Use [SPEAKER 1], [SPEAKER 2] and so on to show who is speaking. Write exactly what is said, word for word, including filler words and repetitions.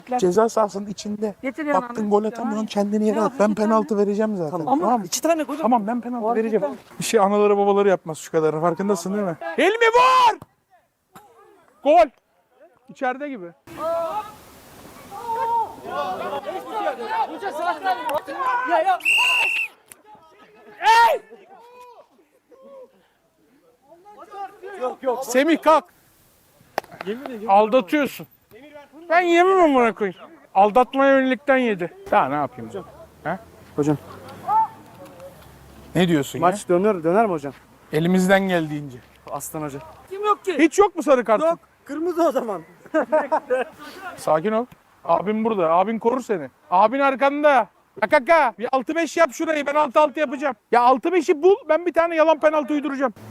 [SPEAKER 1] Ceza sahasının içinde.
[SPEAKER 2] Getiriyorsun
[SPEAKER 1] Baktın
[SPEAKER 2] onu.
[SPEAKER 1] gol atamıyorsun, kendini yere at. Ben penaltı vereceğim zaten.
[SPEAKER 2] Ama
[SPEAKER 1] Tamam mı?
[SPEAKER 2] iki tane koydum.
[SPEAKER 1] Tamam, ben penaltı vereceğim. Bir şey anaları babaları yapmaz şu kadarı. Farkındasın değil mi? Hilmi vur! Gol! İçeride gibi.
[SPEAKER 2] Ya ya.
[SPEAKER 1] Semih kalk. Aldatıyorsun. Ben yemem amına koyayım. Aldatmaya yönelikten yedi. Daha ne yapayım? Hocam. He?
[SPEAKER 3] Hocam
[SPEAKER 1] Ne diyorsun ya?
[SPEAKER 3] maç döner döner mi hocam?
[SPEAKER 1] Elimizden geldiğince.
[SPEAKER 3] Aslan hoca.
[SPEAKER 2] Kim yok ki?
[SPEAKER 1] Hiç yok mu sarı kartın?
[SPEAKER 3] Yok. Kırmızı o zaman.
[SPEAKER 1] Sakin ol. Abin burada. Abin korur seni. Abin arkanda. Kaka bir altı beş yap şurayı. Ben altı altı yapacağım. Ya altı beşi bul. Ben bir tane yalan penaltı uyduracağım.